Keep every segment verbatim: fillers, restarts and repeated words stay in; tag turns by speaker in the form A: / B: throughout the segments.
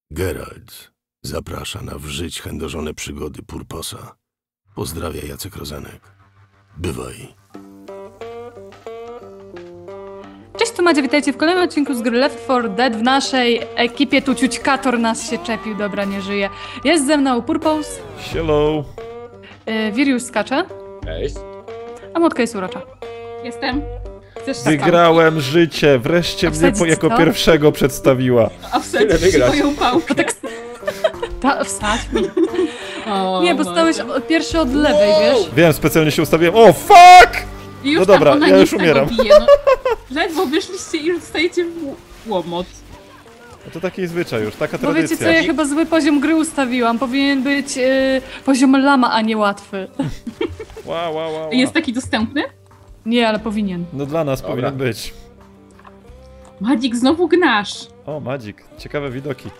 A: Geralt zaprasza na w żyć chędożone przygody Purposa. Pozdrawia Jacek Rozenek. Bywaj.
B: Cześć, tu Madzia, witajcie w kolejnym odcinku z gry Left four Dead. W naszej ekipie tu ciućkator nas się czepił, dobra, nie żyje. Jest ze mną Purpose.
C: Hello.
B: Yy, Virius skacze.
D: Cześć.
B: A Młotka jest urocza.
E: Jestem. Chcesz
C: Wygrałem życie, wreszcie mnie po, jako
B: co?
C: pierwszego przedstawiła.
E: A wsadzić moją pałkę.
B: Tak... Ta, wsadź mi.
E: O,
B: Nie, bo stałeś od, pierwszy od lewej, wiesz?
C: Wiem, specjalnie się ustawiłem. O, fuck!
E: I już
C: No
E: tam
C: dobra,
E: ona
C: ja już
E: nic
C: umieram.
E: Bije, no. Ledwo wyszliście i już dostajecie w łomot.
C: No to taki zwyczaj już, taka
B: Bo
C: tradycja.
B: wiecie co, ja chyba zły poziom gry ustawiłam. Powinien być yy, poziom lama, a nie łatwy.
C: Wow, wow, wow, wow.
E: Jest taki dostępny?
B: Nie, ale powinien.
C: No dla nas
D: Dobra.
C: powinien być.
E: Madzik, znowu gnasz.
C: O, Madzik, ciekawe widoki.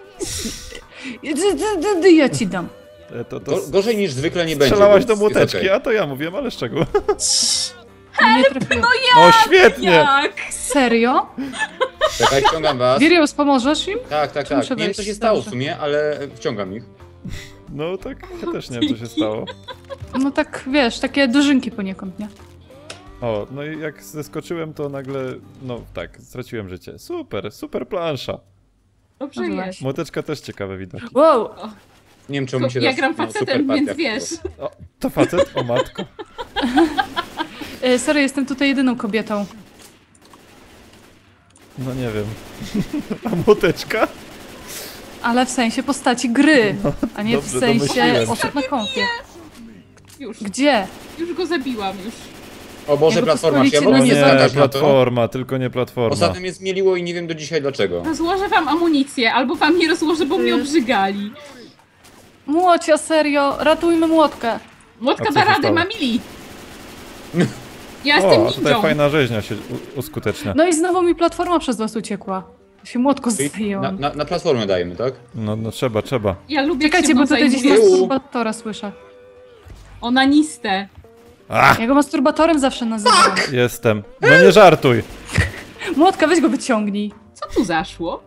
B: Ja ci dam.
C: E, To, to
D: Go, gorzej niż zwykle nie będzie.
C: strzelałaś
D: więc
C: do
D: jest
C: młoteczki,
D: okej.
C: a to ja mówiłem, ale z czego?
B: Nie trafiłam.
C: O, świetnie!
E: Jak?
B: Serio?
D: Czekaj, wciągam was.
B: Virius, pomożesz im?
D: Tak, tak,
B: Czy muszę
D: tak. Nie wiem
B: wejść?
D: co się stało w
B: Dobrze.
D: sumie, ale wciągam ich.
C: No tak, ja też nie wiem, co się stało.
B: No tak, wiesz, takie dożynki poniekąd, nie?
C: O, no i jak zeskoczyłem, to nagle, no tak, straciłem życie. Super, super plansza.
E: Dobrze
B: Dobrze.
E: jest.
C: Młoteczka też ciekawe widoki.
B: Wow!
D: Nie wiem czemu mi się
E: Ja
D: raz-
E: gram
D: no, super
E: facetem,
D: partia
E: więc wiesz.
D: wpadła.
C: O, to facet? O matko.
B: E, sorry, jestem tutaj jedyną kobietą.
C: No nie wiem. A młoteczka?
B: Ale w sensie postaci gry, a nie w
C: dobrze,
B: sensie
C: domyśliłem się.
B: osób na konfie.
E: Już,
B: Gdzie?
E: już go zabiłam, już.
D: O Boże,
B: Jakby
D: platforma, czy ja
B: pozwolicie,
D: mogę
B: no
D: nie
B: nie,
D: skakać na to?
C: platforma, tylko nie platforma.
D: Ostatnio mnie zmieliło i nie wiem do dzisiaj dlaczego.
E: Rozłożę wam amunicję, albo wam nie rozłożę, bo mnie
B: Ty.
E: obrzygali.
B: Młocia, serio, ratujmy młotkę.
E: Młotka
C: A co
E: da
C: się
E: radę,
C: stało?
E: ma mili. Ja jestem
C: O, a tutaj
E: ninją.
C: fajna rzeźnia się u- uskutecznia.
B: No i znowu mi platforma przez was uciekła. Się młotko
D: Czyli
B: zdjęłam.
D: Na, na, na platformę dajemy, tak?
C: No, no trzeba, trzeba.
E: Ja lubię jak
B: Czekajcie,
E: się
B: bo
E: mną
B: tutaj gdzieś
E: zajmujesz.
B: masturbatora słyszę.
E: Onanistę.
C: Ach,
B: Ja go masturbatorem zawsze nazywam.
C: jestem. No nie żartuj.
B: Młotka, weź go wyciągnij.
E: Co tu zaszło?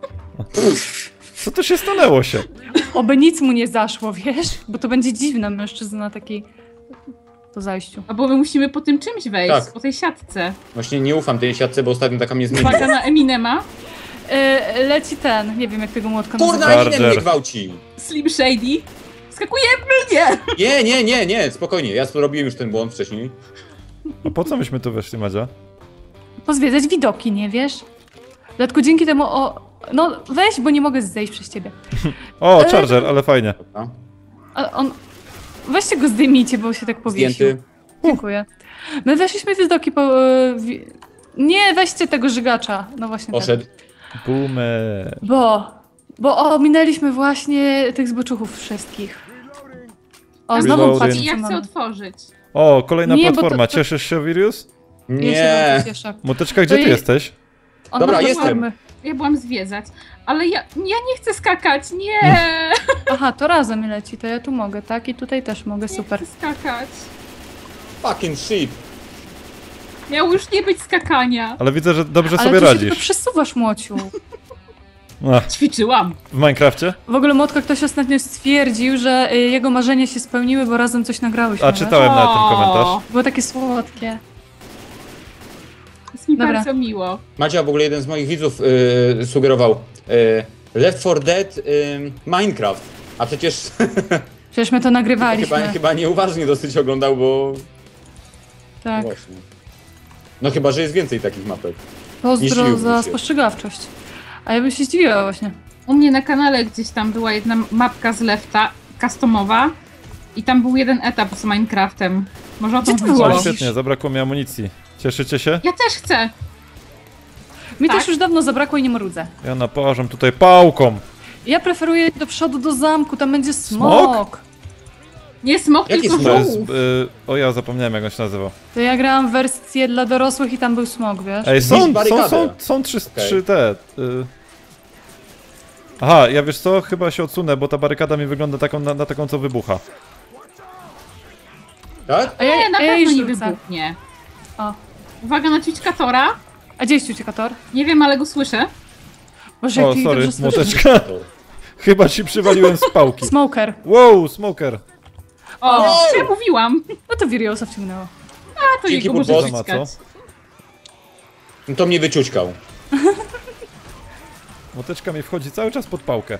C: Co tu się stanęło się?
B: Oby nic mu nie zaszło, wiesz? Bo to będzie dziwne mężczyzna taki po zajściu.
E: A bo my musimy po tym czymś wejść,
D: Tak.
E: po tej siatce.
D: Właśnie nie ufam tej siatce, bo ostatnio taka mnie zmieniła.
E: Uwaga na Eminema.
B: E, leci ten, nie wiem jak tego młotka
D: Kurna,
B: nazywa.
C: Charger.
D: ile mnie gwałci!
E: Slim Shady. Skakujemy mnie!
D: Nie, nie, nie, nie, spokojnie, ja zrobiłem już ten błąd wcześniej.
C: A po co myśmy tu weszli, Madzia?
B: Pozwiedzać widoki, nie wiesz? Dlatego dzięki temu o... No weź, bo nie mogę zejść przez ciebie.
C: O,
B: E,
C: Charger, ale fajnie.
D: Dobra.
B: A on... Weźcie go zdejmijcie, bo się tak powiesił.
D: Zdjęty.
B: Dziękuję. My weszliśmy w widoki po... e, wi... Nie, weźcie tego żygacza. No właśnie tak.
D: Poszedł.
C: Boomer.
B: Bo... Bo ominęliśmy właśnie tych zboczuchów wszystkich. O, znowu
C: Reloading.
B: patrzcie,
E: I ja
B: co
E: chcę
B: mamy.
E: otworzyć.
C: O, kolejna
B: Nie, bo to-
C: platforma.
B: to-
C: Cieszysz się, Virius?
B: Ja się
D: Nie.
B: bardzo cieszę.
C: Młoteczka, gdzie
B: To
C: ty
B: je-
C: jesteś?
B: On
D: Dobra,
B: ma
D: jestem.
B: platformy.
E: Ja byłam zwiedzać. Ale ja, ja nie chcę skakać, nie!
B: Aha, to razem leci, to ja tu mogę, tak? I tutaj też mogę, super.
E: Nie chcę skakać.
D: Fucking shit.
E: Miało już nie być skakania.
C: Ale widzę, że dobrze
B: Ale
C: sobie
B: ty się tylko
C: radzisz.
B: przesuwasz, Młociu.
C: Ach,
E: Ćwiczyłam.
C: w Minecrafcie?
B: W ogóle Młotka ktoś ostatnio stwierdził, że y, jego marzenia się spełniły, bo razem coś nagrałyśmy.
C: A
B: wiesz?
C: czytałem na ten komentarz.
B: Było takie słodkie.
E: Jest mi
B: Dobra.
E: bardzo miło.
D: Macia, w ogóle jeden z moich widzów yy, sugerował yy, Left four Dead yy, Minecraft. A przecież
B: Przecież my to nagrywaliśmy.
D: chyba, chyba nieuważnie dosyć oglądał, bo...
B: Tak.
D: Właśnie. No chyba, że jest więcej takich mapek.
B: Pozdro
D: Jeśli
B: za
D: umiecie.
B: spostrzegawczość. A ja bym się zdziwiła właśnie.
E: U mnie na kanale gdzieś tam była jedna mapka z Lefta, customowa. I tam był jeden etap z Minecraftem. Może o
B: Gdzie
E: tym
B: ty
E: chodziło.
B: byłaś?
C: Świetnie, zabrakło mi amunicji. Cieszycie się?
E: Ja też chcę.
B: Mi
E: Tak.
B: też już dawno zabrakło i nie marudzę.
C: Ja naparzam tutaj pałką.
B: Ja preferuję do przodu do zamku, tam będzie smok.
C: Smok?
E: Nie smok,
D: Jaki
E: tylko
D: smok?
C: To jest...
E: żółw.
C: Y, o, ja zapomniałem, jak on się nazywał.
B: To ja grałam wersję dla dorosłych i tam był smok, wiesz?
C: Ej, są,
D: Zniszcz
C: są,
D: barykadę.
C: są, są trzy,
D: Okej.
C: trzy te... Y... Aha, ja wiesz co? Chyba się odsunę, bo ta barykada mi wygląda taką, na, na taką, co wybucha.
D: Tak?
B: A ja,
E: Nie, na
B: a ja
E: pewno
B: jej
E: nie
B: rzucę.
E: wybuchnie.
B: O.
E: Uwaga na ćwiczkatora.
B: A gdzie jest uciekator?
E: Nie wiem, ale go słyszę.
B: Boże,
C: O,
B: jaki
C: sorry,
B: dobrze słyszę.
C: młoteczka. Chyba ci przywaliłem z pałki.
B: Smoker.
C: Wow, smoker.
E: O,
D: Wow!
E: co ja mówiłam?
B: No to Viriosa wciągnęło.
E: A, to
D: Dzięki
E: jego może
D: Purpos.
E: wyciskać.
D: No to mnie wyciućkał.
C: Młoteczka mi wchodzi cały czas pod pałkę.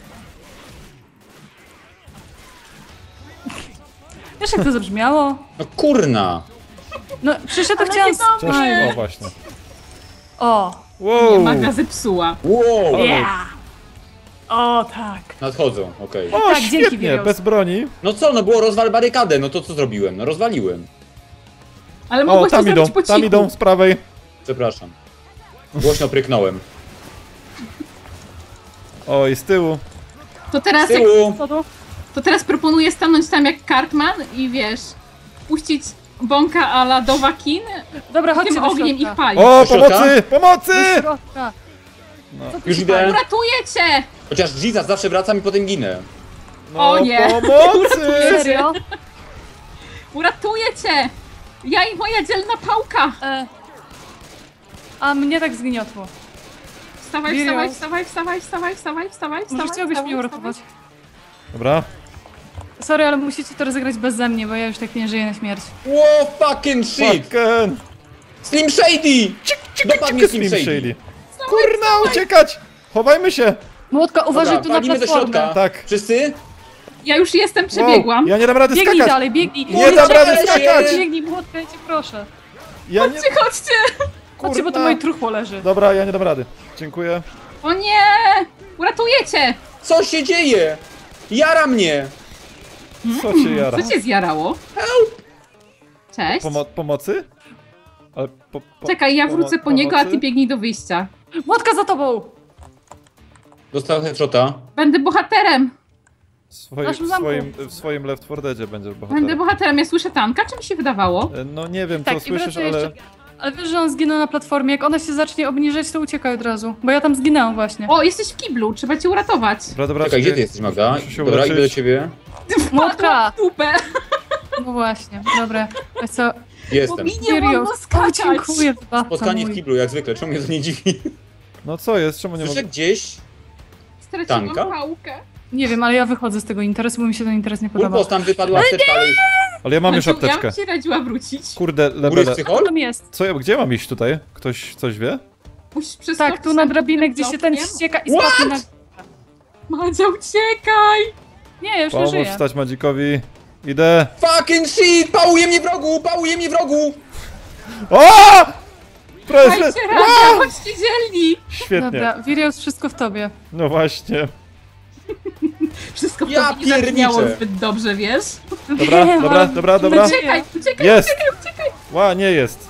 B: Wiesz jak to zabrzmiało?
D: No kurna!
B: No przecież ja to
E: Ale
B: chciałam...
E: nie do
C: Cześć.
E: mnie.
C: O, właśnie.
B: O!
E: Nie,
C: Wow!
E: Maga zepsuła.
D: Wow!
B: Yeah! O tak.
D: Nadchodzą, okej.
C: O,
B: Tak, dzięki,
C: świetnie,
B: Virios.
C: bez broni.
D: No co, no było rozwal barykadę, no to co zrobiłem? No rozwaliłem.
E: Ale
C: O,
E: mogłeś to
C: tam idą,
E: zrobić po
C: tam
E: cichu.
C: idą z prawej.
D: Przepraszam. Głośno pryknąłem.
C: O, i z tyłu.
E: To
D: Z
E: teraz, jak,
D: tyłu!
B: Co to?
E: to teraz proponuję stanąć tam jak Cartman i wiesz, puścić bąka a la Dowakin
B: Dobra,
E: i
B: chodźcie
E: tym
B: do
E: ogniem
B: środka.
E: ich palić.
C: O,
D: Do środka?
C: pomocy! Pomocy!
B: Do środka. Co tu
D: Już
B: się
D: idę.
B: pali?
E: Uratuję cię!
D: Chociaż Jesus zawsze wracam i potem ginę.
C: No,
E: O nie.
C: pomocy!
B: Serio?
E: Uratuję cię! Ja i moja dzielna pałka!
B: E... A mnie tak zgniotło.
E: Wstawaj,
B: Virios.
E: wstawaj, wstawaj, wstawaj, wstawaj, wstawaj, wstawaj,
B: Może
E: wstawaj,
B: chciałbyś
E: wstawaj,
B: mnie uratować?
C: Dobra.
B: Sorry, ale musicie to rozegrać beze mnie, bo ja już tak nie żyję na śmierć.
D: Wow, fucking shit!
C: Fucking!
D: Slim Shady! Dopadnie Slim
C: Slim
D: Shady.
C: Shady. Kurna, uciekać! Chowajmy się!
B: Młotka, uważaj
D: Dobra,
B: tu na
D: walimy do
B: platformę.
D: środka.
C: Tak.
D: Wszyscy?
E: Ja już jestem,
C: Wow,
E: przebiegłam.
C: ja nie dam rady
B: Biegnij
C: skakać!
B: dalej, biegnij.
C: Nie dam rady skakać!
B: Biegnij, Młotka, ja cię proszę.
C: Ja nie...
E: Chodźcie, chodźcie!
B: Chodźcie, bo to moje truchło leży.
C: Dobra, ja nie dam rady. Dziękuję.
E: O nie! Uratuję cię!
D: Co się dzieje? Jara mnie!
C: Co się jara?
E: Co cię zjarało? Help! Cześć.
C: Pomo pomocy? Ale po, po,
E: Czekaj, ja wrócę
C: pomo-
E: po niego, a ty
C: pomocy?
E: biegnij do wyjścia.
B: Młotka za tobą!
D: Dostał headshota.
E: Będę bohaterem!
C: W swoim,
B: Naszym
C: w
B: zamku.
C: swoim, w swoim Left four Deadzie będziesz
E: Będę
C: bohaterem.
E: bohaterem. Ja słyszę tanka, czy mi się wydawało?
C: E, No nie wiem, co
B: Tak, i
C: słyszysz,
B: wracaj
C: ale...
B: jeszcze. Ale wiesz, że on zginął na platformie. Jak ona się zacznie obniżać, to uciekaj od razu. Bo ja tam zginęłam właśnie.
E: O, jesteś w kiblu, trzeba cię uratować.
C: Dobra, dobra,
D: Czekaj,
C: czekaj.
D: gdzie ty jesteś, Magda?
C: Muszę się
D: Dobra, idę do
C: uleczyć.
D: ciebie.
B: Młotka!
E: W dupę.
B: No właśnie, dobra. Wiesz co?
D: Jestem.
E: Mi nie wolno
B: Virios, o,
E: skakać.
B: dziękuję, wybawca
D: Spotkanie w
B: mój.
D: kiblu, jak zwykle. Czemu mnie to nie dziwi?
C: No co jest? Czemu nie
D: Słyszę
C: mogę?
D: gdzieś...
E: Straciłam
D: Tanka?
E: pałkę.
B: Nie wiem, ale ja wychodzę z tego interesu, bo mi się ten interes nie podoba.
D: Purpos, tam wypadła apteczka, ale już...
C: Ale ja mam już
E: Znaczy,
C: apteczkę.
E: Ja bym ci radziła wrócić.
C: Kurde,
D: Góry
C: lebele.
B: Co
D: psychol?
B: tam jest?
C: Co ja, gdzie mam iść tutaj? Ktoś coś wie?
E: Musisz przeskoczyć
B: Tak, tu na drabinę, gdzie się ten
E: blokiem.
B: ścieka i spadnie na...
E: Madzia, uciekaj!
B: Nie, ja już nie
C: Pomóż
B: żyję.
C: wstać Madzikowi. Idę.
D: Fucking shit! Pałuje mnie wrogu! Pałuje mnie wrogu!
C: O! Prezes!
E: Dajcie radę, chodźcie dzielni!
C: Świetnie.
B: Dobra, Virios, wszystko w tobie.
C: No właśnie.
E: Wszystko w
D: Ja
E: tobie nie zabrzmiało
D: pierniczę.
E: zbyt dobrze, wiesz?
C: Dobra,
B: Wiem,
C: dobra,
B: ale-
C: dobra, dobra.
B: No
E: Uciekaj, uciekaj,
C: Jest.
E: uciekaj, uciekaj!
C: Ła, nie jest.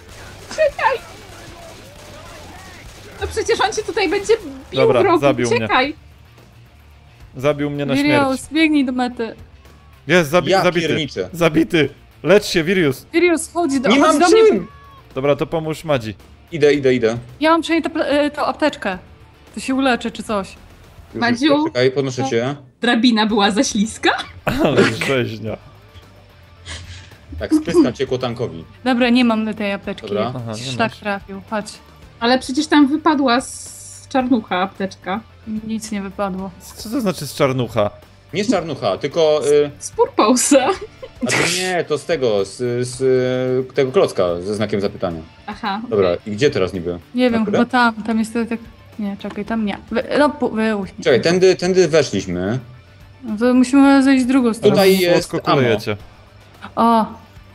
E: No przecież on cię tutaj będzie bił
C: Dobra,
E: wrogu,
C: zabił mnie.
E: uciekaj!
C: Zabił mnie na śmierć.
B: Virios, biegnij do mety.
C: Jest, zabi
D: Ja
C: zabity.
D: pierniczę.
C: Zabity. Lecz się, Virius.
B: Virios, chodź do,
D: Nie
B: chodź
D: mam
B: do mnie.
D: czym!
C: Dobra, to pomóż Madzi.
D: Idę, idę, idę.
B: Ja mam przynajmniej tę pla- e, tą apteczkę. To się uleczy czy coś.
D: Już,
E: Madziu?
D: już, Czekaj, podnoszę cię.
E: Drabina była za śliska?
C: Ale rzeźnia.
D: Tak, spryska ciekło tankowi.
B: Dobra, nie mam tej apteczki.
D: Dobra.
C: Aha, nie
B: Szlak
C: masz.
B: trafił, chodź.
E: Ale przecież tam wypadła z czarnucha apteczka.
B: Nic nie wypadło.
C: Co to znaczy z czarnucha?
D: Nie z czarnucha, tylko... Y,
E: Z Purposa.
D: a to nie, to z tego, z, z y, tego klocka ze znakiem zapytania.
E: Aha.
D: Dobra, i gdzie teraz niby?
B: Nie wiem,
D: Dobra.
B: chyba tam, tam jest to tak... Nie, czekaj, tam nie. Wy, no, pu- wyłóż mnie.
D: Czekaj, tędy, tędy weszliśmy.
B: No to musimy zejść w drugą stronę.
D: Tutaj jest
C: Słodko
D: ammo.
C: kulejecie.
B: O,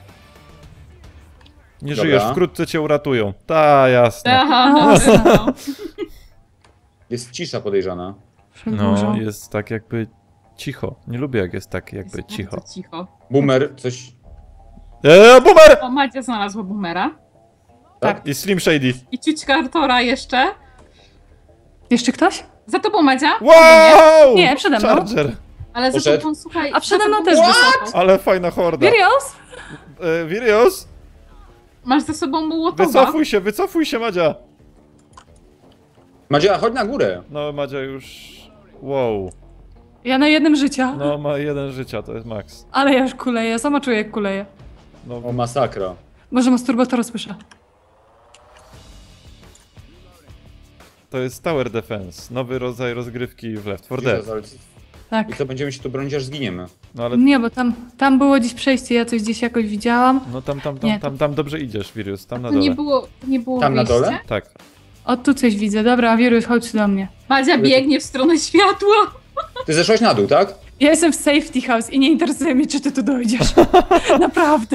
C: Nie
D: Dobra.
C: żyjesz, wkrótce cię uratują. Ta, jasne.
E: Aha,
B: Aha.
E: no.
D: Jest cisza podejrzana.
B: przedłużą.
C: No, jest tak jakby cicho. Nie lubię jak jest tak jakby
E: Jest
C: cicho.
E: bardzo cicho.
D: Boomer, coś...
C: Eee, boomer!
E: O, Madzia znalazła boomera.
B: Tak.
C: I Slim Shady.
E: I ciućka Artora jeszcze.
B: Jeszcze ktoś?
E: Za tobą, Madzia?
C: Wow!
B: Nie, przede mną.
C: Charger.
E: Ale za
D: Poszedł.
E: tobą, słuchaj...
B: A przede
E: za
B: mną
E: tobą-
B: też wysoko.
C: Ale fajna horda.
B: Virios?
C: E, Virios?
E: Masz za sobą Mołotowa.
C: Wycofuj się, wycofuj się, Madzia.
D: Madzia, chodź na górę.
C: No, Madzia już... Wow.
B: Ja na jednym życia.
C: No, ma jeden życia, to jest max.
B: Ale ja już kuleję, sama czuję jak kuleję.
C: No,
D: O, masakra.
B: Może masturbatora słyszę.
C: to jest Tower Defense, nowy rodzaj rozgrywki w Left four Dead.
D: Jesus, ale-
B: Tak.
D: I co, będziemy się tu bronić, aż zginiemy.
C: No ale,
B: Nie, bo tam, tam było gdzieś przejście, ja coś gdzieś jakoś widziałam.
C: no tam, tam, tam,
B: Nie.
C: tam, tam dobrze idziesz, Wirus, tam na
E: To nie
C: dole.
E: było, nie było
D: Tam na
E: wyjścia?
D: dole?
C: Tak.
B: O, tu coś widzę. Dobra, wirus, chodź do mnie.
E: Madzia biegnie w stronę światła.
D: Ty zeszłaś na dół, tak?
B: Ja jestem w safety house i nie interesuje mnie, czy ty tu dojdziesz. Naprawdę.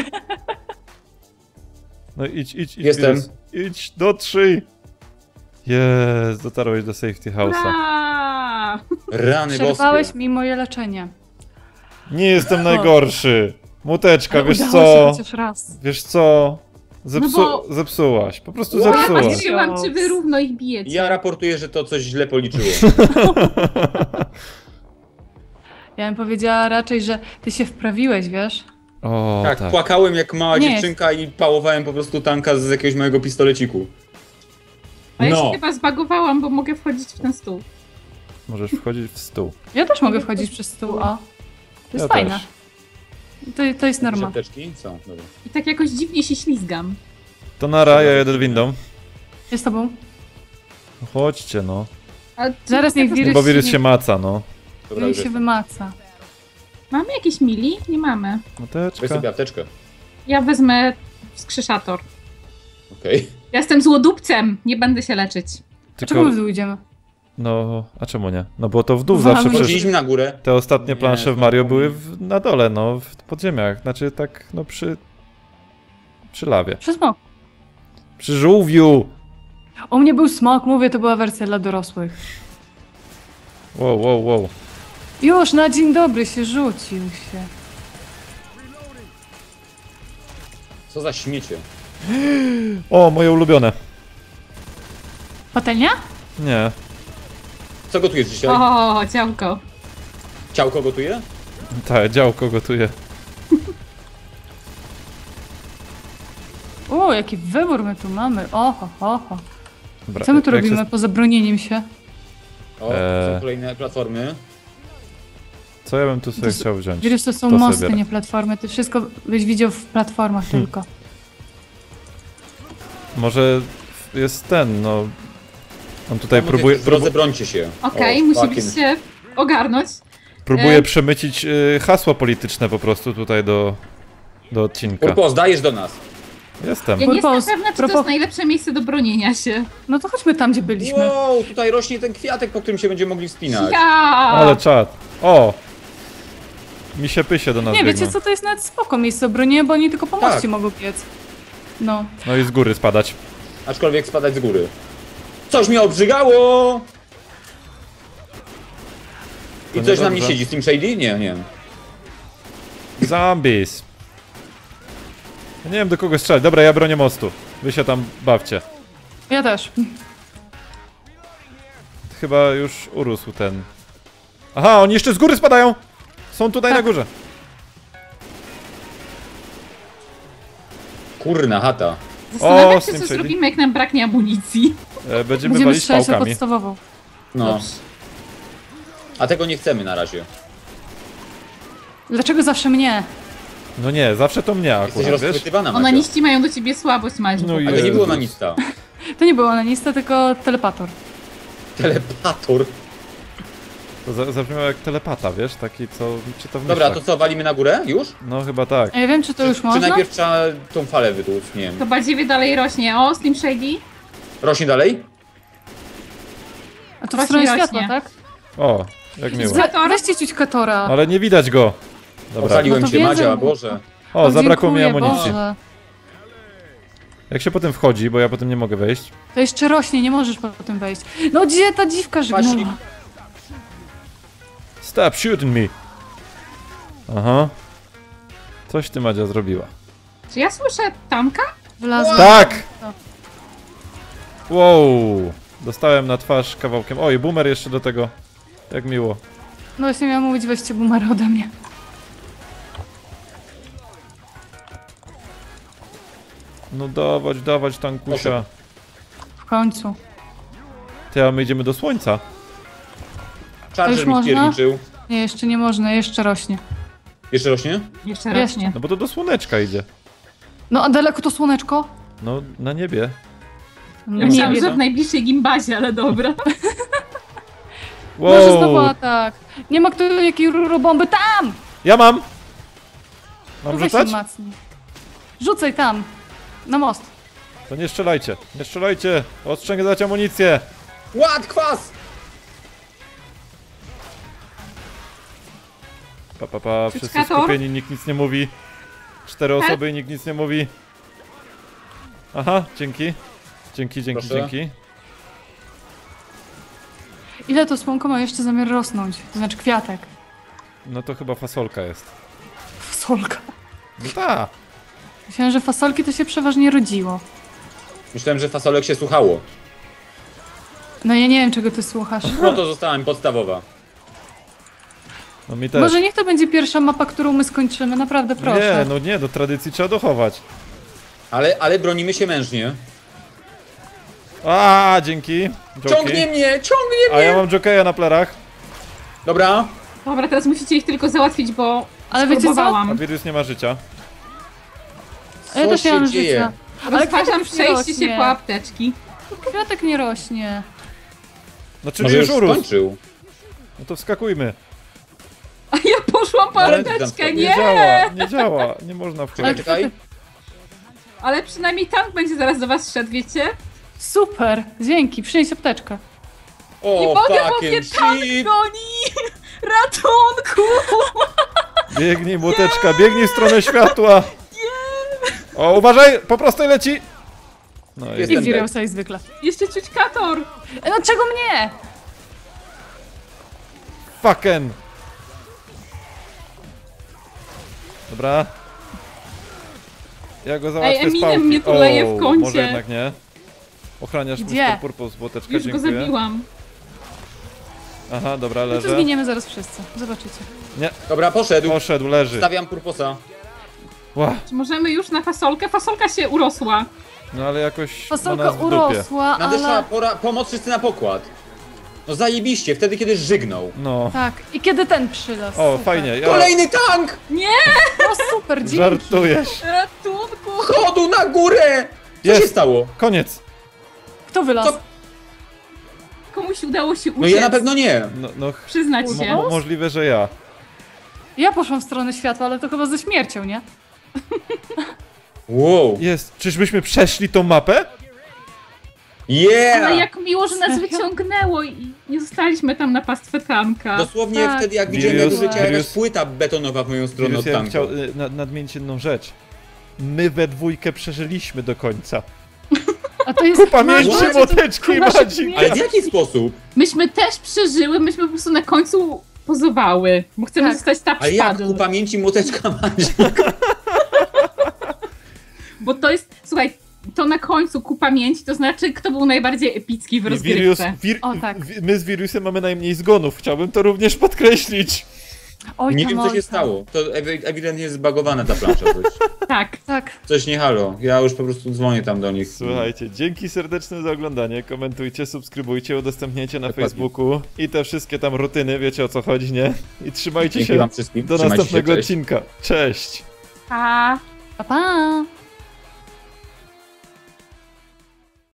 C: No idź, idź, idź,
D: Jestem.
C: Wirus. Idź, dotrzyj! Jest, dotarłeś do safety house'a.
E: Ura!
D: Rany
B: Przerwałeś
D: boskie.
B: mi moje leczenie.
C: Nie jestem najgorszy! Muteczka,
B: Ale
C: wiesz
B: udało
C: co?
B: się chociaż raz.
C: Wiesz co? Zepsu
E: No bo-
C: Zepsułaś, po prostu
D: Wow.
E: Ja
C: zepsułaś.
E: patrzyłam, czy wy równo ich bijecie.
D: Ja raportuję, że to coś źle policzyło.
B: Ja bym powiedziała raczej, że ty się wprawiłeś, wiesz?
C: O,
D: Tak,
C: tak.
D: płakałem jak mała
B: Nie
D: dziewczynka i pałowałem po prostu tanka z jakiegoś mojego pistoleciku.
E: A ja
D: No.
E: się chyba zbagowałam, bo mogę wchodzić w ten stół.
C: Możesz wchodzić w stół.
B: Ja też mogę wchodzić przez stół, o. To jest
C: Ja
B: fajne.
C: też.
B: To, to jest norma.
D: Apteczki? Są, dobra.
E: I tak jakoś dziwnie się ślizgam.
C: To nara, ja jedę windą.
B: Jest z tobą?
C: No chodźcie, no.
E: A
B: Zaraz niech wirus-
C: Bo wirus
B: nie-
C: się maca, no.
D: Dobra,
B: Niech
D: już
B: się
D: jest.
B: wymaca.
E: Mamy jakieś mili? Nie mamy.
D: Weź
C: Muteczka.
D: sobie apteczkę.
E: Ja wezmę wskrzeszator.
D: Okej.
E: Ja jestem złodupcem, nie będę się leczyć.
B: Czemu
C: Tylko,
B: w dół idziemy?
C: no, a czemu nie? No bo to w dół
B: Wam-
C: zawsze przecież.
D: Wchodziliśmy na górę.
C: Te ostatnie
D: Nie,
C: plansze w
D: to
C: Mario
D: nie.
C: były w, na dole, no, w podziemiach. Znaczy tak, no przy... Przy lawie.
B: Przez smok.
C: Przy żółwiu!
B: U mnie był smok, mówię, to była wersja dla dorosłych.
C: Wow, wow, wow.
B: Już na dzień dobry się rzucił się.
D: Co za śmiecie.
C: O, moje ulubione.
B: Patelnia?
C: Nie.
D: Co gotujesz dzisiaj?
E: O, działko.
D: Ciałko gotuje?
C: Tak, działko gotuje.
B: O, jaki wybór my tu mamy. Oho, ho, ho.
C: Dobra,
B: Co my tu
C: jak
B: robimy
C: się-
B: poza bronieniem się?
D: O,
C: Eee.
D: są kolejne platformy.
C: Co ja bym tu sobie
B: To s-
C: chciał wziąć?
B: Wiesz, to są
C: To sobie
B: mosty,
C: biorę.
B: nie platformy. Ty wszystko byś widział w platformach
C: Hmm.
B: tylko.
C: Może jest ten, no... On tutaj
D: Tam
C: próbuje,
D: w drodze
C: próbu
D: brońcie się.
E: Okej,
D: O,
E: musimy
D: fucking-
E: się ogarnąć.
C: próbuje
E: E.
C: przemycić y, hasło polityczne po prostu tutaj do, do odcinka.
D: Purpos, dajesz do nas.
C: Jestem.
E: Ja nie jestem
B: Purpos,
E: pewna, czy to
B: propos-
E: jest najlepsze miejsce do bronienia się.
B: No to chodźmy tam, gdzie byliśmy.
D: Wow, tutaj rośnie ten kwiatek, po którym się będziemy mogli wspinać.
E: Ja!
C: Ale czad. O! Mi się pysie do nas
B: Nie,
C: biegną.
B: wiecie co, to jest nawet spoko miejsce obronienia, bo oni tylko po
D: Tak.
B: moście mogą biec. No.
C: No i z góry spadać.
D: Aczkolwiek spadać z góry. Coś mnie obrzygało! I
C: To
D: coś na mnie
C: niedobrze.
D: siedzi, Steam Shady? Nie, nie.
C: Zombies. Ja nie wiem do kogo strzelać. Dobra, ja bronię mostu. Wy się tam bawcie.
B: Ja też.
C: Chyba już urósł ten. Aha, oni jeszcze z góry spadają! Są tutaj
B: Tak.
C: na górze.
D: Kurna chata.
E: Zastanawiam
C: O,
E: się,
C: Steam
E: co
C: Shady.
E: zrobimy, jak nam braknie amunicji.
C: E, będziemy
B: Będziemy
C: walić
B: strzelać na
C: pałkami.
B: podstawową.
D: No.
E: Dobrze.
D: A tego nie chcemy na razie.
B: Dlaczego zawsze mnie?
C: No nie, zawsze to mnie
D: Jesteś
C: akurat, wiesz?
D: rozchwytywana, Macia.
E: Onaniści mają do ciebie słabość, Maciu.
C: No i-
D: Ale nie było
C: Jezus.
D: na nista.
B: To nie był onanista, tylko telepator.
D: Telepator.
C: To za- zabrzmiało jak telepata, wiesz? Taki co czyta w
D: Dobra, to
C: myślach.
D: co, walimy na górę? Już?
C: No chyba tak.
B: A ja wiem, czy to już
D: Czy
B: można?
D: najpierw trzeba tą falę wytłuc? Nie wiem.
E: To badziewie dalej rośnie. O, Steam Shady.
D: Rośnie dalej?
B: A to w
E: Właśnie
B: stronę
E: rośnie.
B: światła, tak?
C: O, jak miło.
B: We, weźcie ciuć Katora.
C: Ale nie widać go. Dobra.
D: Ocaliłem
B: No to
D: cię,
B: wiedzą.
D: Madzia, Boże.
C: O, zabrakło mi
B: dziękuję,
C: amunicji.
B: Boże.
C: Jak się potem wchodzi, bo ja potem nie mogę wejść.
B: To jeszcze rośnie, nie możesz potem wejść. No gdzie ta dziwka
D: Właśnie.
B: żgnęła?
C: Stop shooting me. Aha. Coś ty, Madzia, zrobiła.
E: Czy ja słyszę tanka?
B: Wylazła.
C: Tak! Wow! Dostałem na twarz kawałkiem. Oj, boomer jeszcze do tego. Jak miło.
B: No właśnie miałam mówić, weźcie boomer ode mnie.
C: No dawać, dawać tankusia.
B: W końcu.
C: Ty, a my idziemy do słońca.
D: Charger
B: już
D: mi
B: można?
D: stwierdził.
B: Nie, jeszcze nie można, jeszcze rośnie.
D: Jeszcze rośnie?
E: Jeszcze
B: Jeszcze.
E: rośnie.
C: No bo to do słoneczka idzie.
B: No a daleko to słoneczko?
C: No, na niebie.
E: Ja
B: Nie
E: myślałam,
B: wiem.
E: że w najbliższej gimbazie, ale dobra.
B: Może znowu
C: Wow.
B: atak. Nie ma kto jakiej rurobomby tam!
C: Ja mam! Mam
B: Weź
C: rzucać?
B: się macnij. Rzucaj tam. Na most.
C: To nie strzelajcie, nie strzelajcie! Odstrzęgać amunicję!
D: Ład, kwas!
C: Pa, pa, pa, wszyscy
E: Ciuczkator?
C: skupieni, nikt nic nie mówi. Cztery
E: Help.
C: osoby i nikt nic nie mówi. Aha, dzięki. Dzięki, dzięki,
D: Proszę.
C: dzięki.
B: Ile to słonko ma jeszcze zamiar rosnąć? To znaczy kwiatek.
C: No to chyba fasolka jest.
B: Fasolka.
C: No ta!
B: Myślałem, że fasolki to się przeważnie rodziło.
D: Myślałem, że fasolek się słuchało.
B: No ja nie wiem, czego ty słuchasz.
D: No to została mi podstawowa.
C: No mi też.
B: Może niech to będzie pierwsza mapa, którą my skończymy, naprawdę proszę.
C: Nie, no nie, do tradycji trzeba dochować.
D: Ale, ale bronimy się mężnie.
C: A, dzięki. Joki.
D: Ciągnie mnie, ciągnie
C: A
D: mnie!
C: ja mam jokeja na plerach.
D: Dobra.
E: Dobra, teraz musicie ich tylko załatwić, bo
B: Ale wiecie co?
C: A
E: spróbowałam.
C: wirus nie ma życia.
B: A ja
D: Co
B: też nie mam
D: się dzieje?
B: życia. Ale
E: Rozważam
B: kwiatek nie
E: przejście się
B: rośnie.
E: po apteczki.
B: Kwiatek nie rośnie.
C: No czyli
D: Może
C: już
D: już
C: urósł.
D: skończył.
C: No to wskakujmy.
E: A ja poszłam po
D: Ale
E: apteczkę,
C: Nie
E: nie!
C: działa, nie działa, nie można
D: Czekaj,
C: wchodzić.
D: czekaj.
E: Ale przynajmniej tank będzie zaraz do was szedł, wiecie?
B: Super, dzięki, przynieś apteczkę.
D: O,
E: Nie mogę, bo
D: fucking
E: mnie tank
D: shit!
E: goni! Ratunku!
C: Biegnij, młoteczka, biegnij w stronę światła. O, uważaj, po prostu leci. No i
D: Jest.
B: I
D: Jestem
B: wirał
D: dead.
B: sobie zwykle.
E: Jeszcze ciućkator!
B: E, No czego mnie?
C: fucking. Dobra. Ja go załatwię
E: Ej,
C: z
E: Eminem
C: pałki.
E: mnie tu leje w
C: O,
E: kącie.
C: może jednak nie. Ochraniasz
B: Gdzie?
C: mister Purpose, młoteczka,
E: Już go
C: dziękuję.
E: zabiłam.
C: Aha, dobra,
B: No to
C: leży.
B: zginiemy zaraz wszyscy. Zobaczycie.
C: Nie,
D: Dobra, poszedł.
C: poszedł, leży.
D: Stawiam purposa.
C: Ła,
E: Czy możemy już na fasolkę? Fasolka się urosła.
C: no ale jakoś ma
B: Fasolka
C: nas w dupie.
B: urosła,
D: Nadeszła
B: ale...
D: pora, pomoc wszyscy na pokład. No zajebiście, wtedy kiedy żygnął.
C: No.
B: Tak, i kiedy ten przylas.
C: O,
B: Super.
C: fajnie, ja...
D: Kolejny tank!
B: No super, dzięki.
C: Żartujesz.
E: Ratunku!
D: Chodu na górę! Co
C: Jest.
D: się stało?
C: Koniec.
B: Kto wylazł?
D: Co?
E: Komuś udało się uciec.
D: No ja na pewno nie.
C: No, no ch-
E: Przyznać
C: mo-
E: się.
C: mo- możliwe, że ja.
B: Ja poszłam w stronę światła, ale to chyba ze śmiercią, nie?
D: Wow.
C: Jest. Czyżbyśmy przeszli tą mapę?
D: Yeah!
E: Ale jak miło, że nas
B: Serio?
E: wyciągnęło i nie zostaliśmy tam na pastwę tanka.
D: Dosłownie
B: Tak.
D: wtedy jak widziałem, jak
C: Wirus-
D: leciała jakaś
C: wirus-
D: płyta betonowa w moją stronę
C: Wirus,
D: od
C: ja bym
D: tanku.
C: chciał y, na, nadmienić jedną rzecz. My we dwójkę przeżyliśmy do końca.
B: A to jest...
C: Kupa
B: nasz-
C: mięśni,
B: nasz-
C: młoteczki i
B: nasz-
C: madzik.
D: Ale w jaki sposób?
E: Myśmy też przeżyły, myśmy po prostu na końcu pozowały, bo chcemy
B: Tak.
E: zostać top
D: Ale jak
E: szpadl.
D: ku pamięci młoteczka madzik?
E: Bo to jest, słuchaj, to na końcu ku pamięci, to znaczy kto był najbardziej epicki w
C: Wirus,
E: rozgrywce.
C: wir,
B: O, tak.
C: wi- my z wirusem mamy najmniej zgonów. Chciałbym to również podkreślić.
B: Oj,
D: Nie
B: tam,
D: wiem co
B: oj,
D: się
B: tam.
D: stało. To ewi- ewidentnie jest zbagowana ta plansza. Coś,
E: Tak.
B: Tak.
D: coś nie halo. Ja już po prostu dzwonię tam do nich.
C: Słuchajcie, dzięki serdeczne za oglądanie. Komentujcie, subskrybujcie, udostępniajcie na
D: Dokładnie.
C: Facebooku i te wszystkie tam rutyny, wiecie o co chodzi, nie? I trzymajcie
D: Dzięki
C: się
D: wam wszystkim.
C: do
D: Trzymajcie się,
C: następnego
D: cześć.
C: odcinka. Cześć!
E: Pa!
B: Pa, pa.